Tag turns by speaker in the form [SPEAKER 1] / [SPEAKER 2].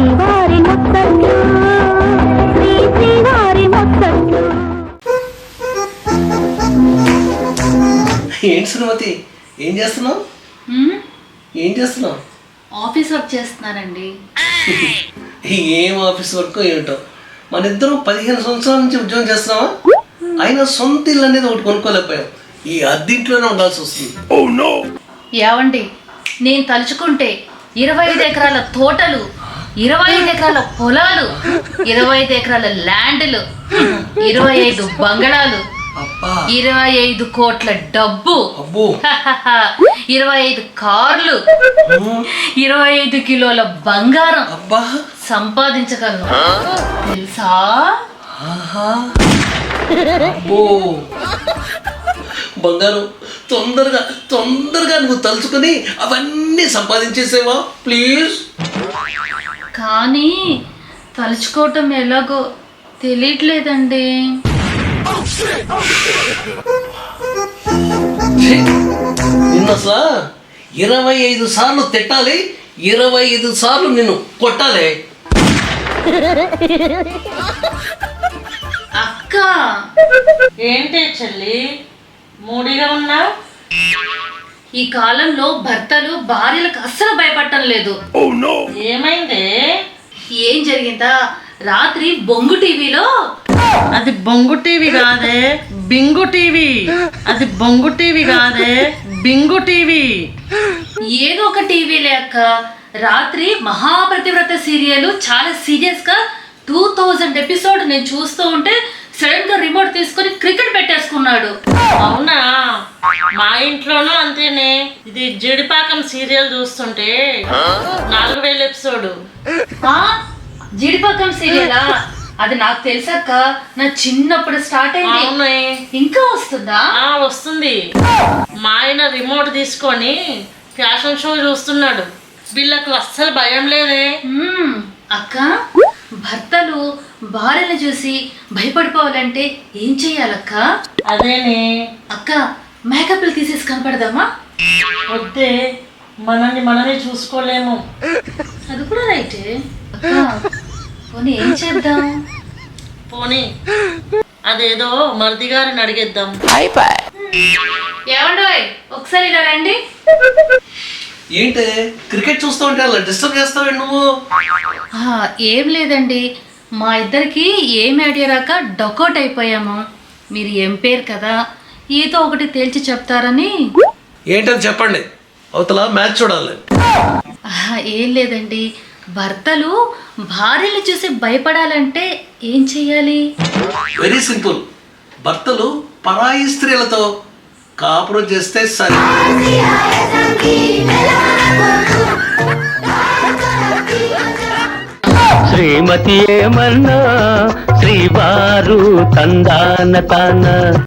[SPEAKER 1] శ్రీవారి ముత్తట్లు శ్రీవారి ముత్తట్లు.
[SPEAKER 2] ఏంటి సుమతి, ఏం చేస్తున్నావు? ఏం చేస్తున్నావు?
[SPEAKER 3] ఆఫీస్ వర్క్ చేస్తున్నానండి.
[SPEAKER 2] ఏం ఆఫీస్ వర్క్ ఏంటో. మన ఇద్దరం 15 సంవత్సరాల నుంచి ఉద్యోగం చేస్తున్నావా? అయినా సొంత ఇల్లు అనేది ఒకటి కొనుక్కోలేకపోయాం. ఈ అద్దెంట్లోనే ఉండాల్సి వస్తుంది.
[SPEAKER 3] ఏవండి, నేను తలుచుకుంటే 25 ఎకరాల తోటలు, 25 ఎకరాల పొలాలు, 25 ఎకరాల ల్యాండ్లు, 25 బంగళాలు, 25 కోట్ల డబ్బు, 25 కార్లు, 25 కిలోల బంగారం సంపాదించగలను తెలుసా?
[SPEAKER 2] బంగారం తొందరగా తొందరగా నువ్వు తలుచుకొని అవన్నీ సంపాదించేసేవా ప్లీజ్?
[SPEAKER 3] కానీ తలుచుకోవటం ఎలాగో తెలియట్లేదండి.
[SPEAKER 2] నిన్న అసలు 25 సార్లు తిట్టాలి, 25 సార్లు నిన్ను కొట్టాలి.
[SPEAKER 3] అక్క,
[SPEAKER 4] ఏంటి చెల్లి మూడిగా ఉన్నా?
[SPEAKER 3] ఈ కాలంలో భర్తలు భార్యలకు అస్సలు భయపడటం లేదు.
[SPEAKER 4] ఏమైంది?
[SPEAKER 3] ఏం జరిగిందా? రాత్రి బొంగు టీవీలో,
[SPEAKER 4] అది బొంగు టీవీ కాదే బింగు టీవీ, అది బొంగు టీవీ కాదే బింగు టీవీ.
[SPEAKER 3] ఏదో ఒక టీవీలే అక్క. రాత్రి మహాప్రతివ్రత సీరియల్ చాలా సీరియస్ గా 2000 ఎపిసోడ్ నేను చూస్తూ ఉంటే సడన్ గా రిమోట్ తీసుకొని క్రికెట్ పెట్టేసుకున్నాడు.
[SPEAKER 4] అవునా? మా ఇంట్లోనూ అంతేనే. ఇది జీడిపాకం సీరియల్ చూస్తుంటే 4000 ఎపిసోడ్.
[SPEAKER 3] జీడిపాకం సీరియలా? అది నాకు తెలుసక్క, నా చిన్నప్పుడు స్టార్ట్ అయింది. ఇంకా వస్తుందా?
[SPEAKER 4] వస్తుంది. మా ఆయన రిమోట్ తీసుకొని ఫ్యాషన్ షో చూస్తున్నాడు. వీళ్ళకు అస్సలు భయం లేదే.
[SPEAKER 3] అక్క, భర్తలు భార్యను చూసి భయపడిపోవాలంటే ఏం చెయ్యాలక్క?
[SPEAKER 4] అదేనే
[SPEAKER 3] అక్క, మేకప్లు తీసేసి కనపడదామా?
[SPEAKER 4] వద్దే, మనల్ని చూసుకోలేము.
[SPEAKER 3] అది కూడా రైటే అక్క. పోనీ ఏం చేద్దాం?
[SPEAKER 4] పోనీ అదేదో మరిది గారిని అడిగేద్దాం.
[SPEAKER 3] ఏమండోయ్, ఒకసారి ఇలా రండి.
[SPEAKER 2] ఏంటి క్రికెట్ చూస్తూ ఉంటే అలా డిస్టర్బ్ చేస్తావే నువ్వు?
[SPEAKER 3] ఏం లేదండి, మా ఇద్దరికి ఏం ఐడియా రాక డకౌట్ అయిపోయాము. మీరు ఎంపైర్ కదా, ఏదో ఒకటి తేల్చి చెప్తారని.
[SPEAKER 2] ఏంటని చెప్పండి, అవతల మ్యాచ్ చూడాలి.
[SPEAKER 3] ఏం లేదండి, భర్తలు భార్యలు చూసి భయపడాలంటే ఏం చెయ్యాలి?
[SPEAKER 2] Very simple. భర్తలు పరాయి స్త్రీలతో కాపురం చేస్తే సరే.
[SPEAKER 5] శ్రీమతి ఏమన్నా శ్రీవారు తందాన తాన